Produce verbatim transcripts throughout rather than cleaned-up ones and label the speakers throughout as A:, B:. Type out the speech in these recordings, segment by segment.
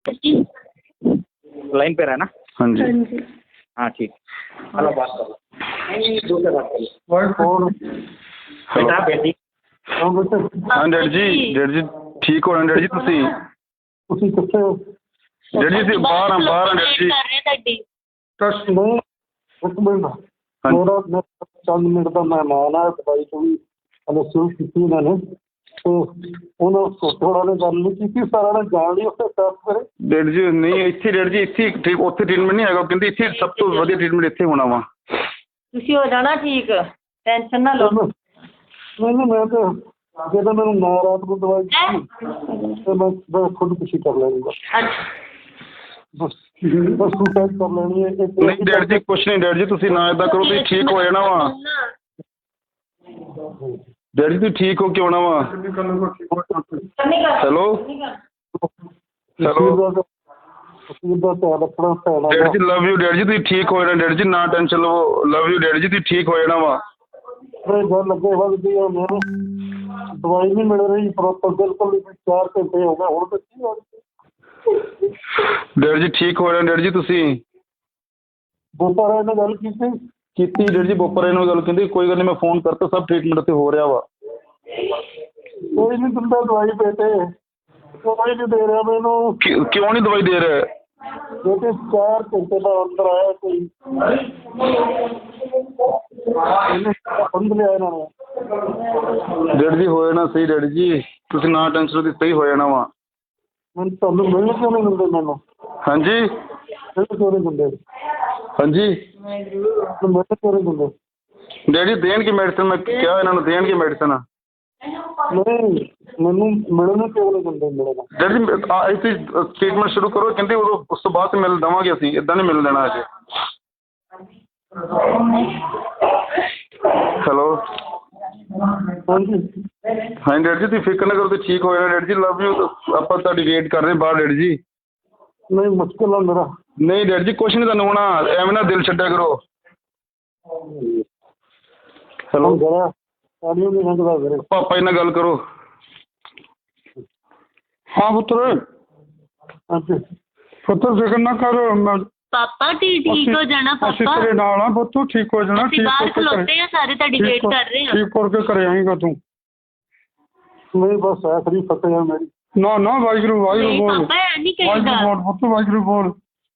A: Line पे रहना।
B: हाँ जी
A: हाँ ठीक। हेलो बात करो। नहीं दूसरे बात करो। बेटा बेटी
B: हाँ डैड जी डैड जी ठीक हो डैड जी ਤੁਸੀਂ
C: ਤੁਸੀਂ ਕਿੱਥੇ ਹੋ?
B: ਡੈਡ ਜੀ ਬਾਹਰ ਆ ਬਾਹਰ ਆ ਡੈਡ ਜੀ
C: ਟੈਸਟ ਨਹੀਂ ਇੱਕ ਮਿੰਟ ਮੇਰਾ ਮੈਂ ਚੰਦ ਮਿੰਟ ਦਾ ਮਹਿਮਾਨ ਆ ਦਵਾਈ ਤੋਂ ਵੀ ਹਲੇ ਸ਼ੁਰੂ ਕੀਤੀ ਇਹਨਾਂ ਨੇ ਤੇ ਉਹਨਾਂ ਥੋੜਾ ਨੇ ਗੱਲ ਨਹੀਂ ਕੀਤੀ ਸਾਰਾ ਨੇ ਜਾਣ ਲਈ ਉੱਥੇ ਟੈਸਟ ਕਰੇ
B: ਡੈਡ ਜੀ ਨਹੀਂ ਇੱਥੇ ਡੈਡ ਜੀ ਇੱਥੇ ਠੀਕ ਉੱਥੇ ਟ੍ਰੀਟਮੈਂਟ ਨਹੀਂ ਹੈਗਾ ਕਹਿੰਦੇ ਇੱਥੇ ਸਭ ਤੋਂ ਵਧੀਆ ਟ੍ਰੀਟਮੈਂਟ ਇੱਥੇ ਹੋਣਾ ਵਾ
D: ਤੁਸੀਂ ਹੋ ਜਾਣਾ ਠੀਕ ਟੈਨਸ਼ਨ ਨਾ ਲਓ
C: ਨਹੀਂ ਨਹੀਂ ਮੈਂ ਤਾਂ ਜਦੋਂ ਮੈਨੂੰ ਨਾ ਰਾਤ ਨੂੰ ਦਵਾਈ ਦਿੱਤੀ ਤੇ ਮੈਂ ਮੈਂ ਖੁਦ ਕੁਛ ਕਰ ਲੈਂਗਾ ਬਸ ਬਸ ਤੂੰ ਟੈਸਟ ਕਰ ਲੈਣੀ ਹੈ
B: ਨਹੀਂ ਡੈਡ ਜੀ ਕੁਛ ਨਹੀਂ ਡੈਡ ਜੀ ਤੁਸੀਂ ਨਾ ਏਦਾਂ ਕਰੋ ਤੁਸੀਂ ਠੀਕ ਹੋ ਜਾਣਾ ਵਾ ਡੈਡ ਜੀ ਤੁਸੀਂ ਠੀਕ ਹੋ ਕੇ ਆਉਣਾ ਵਾ ਹੈਲੋ ਹੈਲੋ ਡੈਡ ਜੀ ਲਵ ਯੂ ਡੈਡ ਜੀ ਤੁਸੀਂ ਠੀਕ ਹੋ ਜਾਣਾ ਡੈਡ ਜੀ ਨਾ ਟੈਨਸ਼ਨ ਲਵੋ ਲਵ ਯੂ ਡੈਡ ਜੀ ਤੁਸੀਂ ਠੀਕ ਹੋ ਜਾਣਾ ਵਾ
C: ਗੱਲ ਲੱਗੇ ਵੱਧਦੀ ਆ ਮੈਨੂੰ ਦਵਾਈ ਨਹੀਂ ਮਿਲ ਰਹੀ ਪ੍ਰੋਪਰ ਬਿਲਕੁਲ ਚਾਰ ਘੰਟੇ ਹੋ ਗਏ ਹੁਣ ਤਾਂ ਕੀ ਹੋ
B: ਡੈਡ ਜੀ ਠੀਕ ਹੋ ਜਾਣਾ ਡੈਡ ਜੀ ਤੁਸੀਂ
C: ਬੋਪਾਰੇ ਨਾਲ ਗੱਲ ਕੀਤੀ
B: ਕੀਤੀ ਡੈਡ ਜੀ ਬੋਪਾਰੇ ਨਾਲ ਗੱਲ ਕਹਿੰਦੇ ਕੋਈ ਗੱਲ ਨਹੀਂ ਮੈਂ ਫੋਨ ਕਰਤਾ ਸਭ ਟ੍ਰੀਟਮੈਂਟ ਉੱਥੇ ਹੋ ਰਿਹਾ ਵਾ
C: ਕੋਈ ਨਹੀਂ ਦਿੰਦਾ ਦਵਾਈ ਬੇਟੇ ਦਵਾਈ ਨਹੀਂ ਦੇ ਰਿਹਾ ਮੈਨੂੰ
B: ਕਿਉਂ ਨਹੀਂ ਦਵਾਈ ਦੇ ਰਿਹਾ
C: ਬੇਟੇ ਚਾਰ ਘੰਟੇ ਦਾ ਅੰਦਰ ਆਇਆ ਕੋਈ ਲਿਆ ਇਹਨਾਂ ਨੇ
B: ਡੈਡ ਜੀ ਹੋ ਜਾਣਾ ਸਹੀ ਡੈਡ ਜੀ ਤੁਸੀਂ ਨਾ ਟੈਨਸ਼ਨ ਦੀ ਸਹੀ ਹੋ ਜਾਣਾ ਵਾ
C: ਮੈਨੂੰ ਤੁਹਾਨੂੰ ਮਿਲਣ ਕਿਉਂ ਨਹੀਂ ਦਿੰਦੇ ਮੈਨੂੰ
B: ਹਾਂਜੀ
C: ਮਿਲਣ ਕਿਉਂ ਨਹੀਂ ਦਿੰਦੇ
B: ਹਾਂਜੀ
C: ਮਿਲਣ ਕਿਉਂ ਨਹੀਂ ਦਿੰਦੇ
B: ਡੈਡ ਜੀ ਦੇਣਗੇ ਮੈਡੀਸਨ ਮੈਂ ਕਿਹਾ ਇਹਨਾਂ ਨੂੰ ਦੇਣਗੇ ਮੈਡੀਸਨ
C: ਨਹੀਂ ਮੈਨੂੰ ਮਿਲਣ ਕਿਉਂ ਨਹੀਂ ਦਿੰਦੇ ਮਿਲਣਾ
B: ਡੈਡ ਜੀ ਇੱਥੇ ਟ੍ਰੀਟਮੈਂਟ ਸ਼ੁਰੂ ਕਰੋ ਕਹਿੰਦੇ ਉਦੋਂ ਉਸ ਤੋਂ ਬਾਅਦ ਮਿਲ ਦੇਵਾਂਗੇ ਅਸੀਂ ਇੱਦਾਂ ਨਹੀਂ ਮਿਲ ਦੇਣਾ ਅਜੇ ਹੈਲੋ
C: ਹਾਂਜੀ
B: ਹਾਂ ਡੈਡ ਜੀ ਤੁਸੀਂ ਫਿਕਰ ਨਾ ਕਰੋ ਤੁਸੀਂ ਠੀਕ ਹੋ ਜਾਣਾ ਡੈਡ ਜੀ ਲਵ ਯੂ ਆਪਾਂ ਤੁਹਾਡੀ ਵੇਟ ਕਰ ਰਹੇ ਬਾਹਰ ਡੈਡ ਜੀ
C: ਨਹੀਂ ਮੁਸ਼ਕਿਲ ਆ ਮੇਰਾ
B: ਨਹੀਂ ਡੈਡ ਜੀ ਕੁਛ ਨਹੀਂ ਤੁਹਾਨੂੰ ਹੋਣਾ ਐਵੇਂ ਨਾ ਦਿਲ ਛੱਡਿਆ ਕਰੋ ਹੈਲੋ ਪਾਪਾ ਜੀ ਨਾਲ ਗੱਲ ਕਰੋ
C: ਹਾਂ ਪੁੱਤਰ ਹਾਂਜੀ ਪੁੱਤਰ ਫਿਕਰ ਨਾ ਕਰ
D: ਪਾਪਾ ਠੀਕ ਹੋ ਜਾਣਾ
C: ਅਸੀਂ
D: ਪਾਪਾ
C: ਤੇਰੇ ਨਾਲ ਆ ਪੁੱਤ ਠੀਕ ਹੋ ਜਾਣਾ
D: ਅਸੀਂ ਬਾਹਰ ਖਲੋਤੇ ਆ ਸਾਰੇ ਤੁਹਾਡੀ ਵੇਟ ਕਰ ਰਹੇ ਆ
C: ਠੀਕ ਕਰਕੇ ਘਰੇ ਆਏਗਾ ਤੂੰ ਨਹੀਂ ਬਸ ਆਖਰੀ ਫਤਿਹ ਆ ਮੇਰੀ ਨਾ ਨਾ ਵਾਹਿਗੁਰੂ ਵਾਹਿਗੁਰੂ ਬੋਲ
D: ਪਾਪਾ ਐ ਨਹੀਂ ਕਹੀਦਾ
C: ਵਾਹਿਗੁਰੂ ਬੋਲ ਪੁੱਤ ਵਾਹਿਗੁਰੂ ਬੋਲ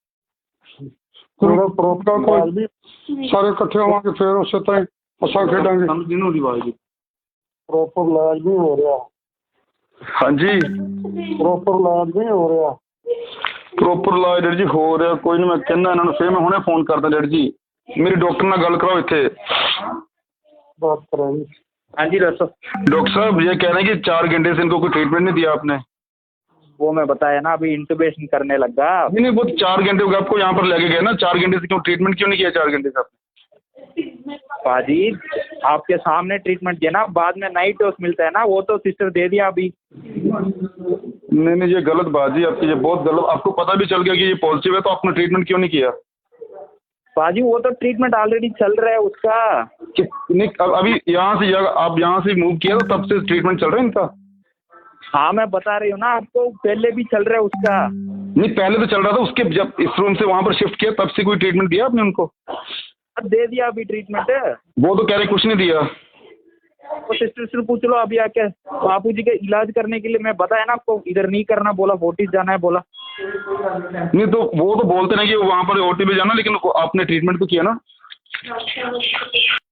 C: ਤੇਰਾ ਪ੍ਰੋਪਰ ਕੋਈ ਸਾਰੇ ਇਕੱਠੇ ਹੋਵਾਂਗੇ ਫਿਰ ਉਸੇ ਤਰ੍ਹਾਂ ਅਸਾਂ ਖੇਡਾਂਗੇ
B: ਸਮਝ ਨਹੀਂ ਆਉਂਦੀ ਆਵਾਜ਼ ਦੀ
C: ਪ੍ਰੋਪਰ ਇਲਾਜ ਨਹੀਂ ਹੋ ਰਿਹਾ
B: ਹਾਂਜੀ
C: ਪ੍ਰੋਪਰ ਇਲਾਜ ਨਹੀਂ ਹੋ ਰਿਹਾ
B: ਪ੍ਰੋਪਰ ਇਲਾਜ ਡੈਡ ਜੀ ਹੋ ਰਿਹਾ ਕੋਈ ਨਹੀਂ ਮੈਂ ਕਹਿੰਦਾ ਇਹਨਾਂ ਨੂੰ ਫਿਰ ਮੈਂ ਹੁਣੇ ਫੋਨ ਕਰਦਾ ਡੈਡ ਜੀ ਮੇਰੀ ਡਾਕਟਰ ਨਾਲ ਗੱਲ कराओ ਇੱਥੇ
C: बात कराएंगे
A: हाँ जी डॉक्टर
B: डॉक्टर साहब ये कह रहे हैं कि चार घंटे से इनको कोई ट्रीटमेंट नहीं दिया आपने
A: वो मैं बताया ना अभी इंटुबेशन करने लगा
B: नहीं नहीं वो चार घंटे हो गए आपको यहाँ पर लेके गए ना चार घंटे से क्यों ट्रीटमेंट क्यों नहीं किया चार घंटे से आपने
A: पाजी आपके सामने ट्रीटमेंट दिया ना बाद में नाइट डोज मिलता है ना वो तो सिस्टर दे दिया अभी
B: नहीं नहीं ये गलत बात जी आपकी ये बहुत गलत आपको पता भी चल गया कि ये पॉजिटिव है तो आपने ट्रीटमेंट क्यों नहीं किया
A: पाजी वो तो ट्रीटमेंट ऑलरेडी चल रहा है उसका
B: कि, नहीं अब अभी यहाँ से आप यहाँ से मूव किया तो तब से ट्रीटमेंट चल रहा है इनका
A: हाँ मैं बता रही हूँ ना आपको पहले भी चल रहा है उसका
B: नहीं पहले तो चल रहा था उसके जब इस रूम से वहाँ पर शिफ्ट किया तब से कोई ट्रीटमेंट दिया आपने उनको
A: अब दे दिया अभी ट्रीटमेंट
B: वो तो कह रहे कुछ नहीं दिया
A: वो सिस्टर से पूछ लो अभी आके बापू जी के इलाज करने के लिए मैं बताया ना आपको इधर नहीं करना बोला फोर्टिस जाना है बोला
B: नहीं तो वो तो बोलते नहीं कि वहाँ पर ओटी पे जाना लेकिन आपने ट्रीटमेंट तो किया ना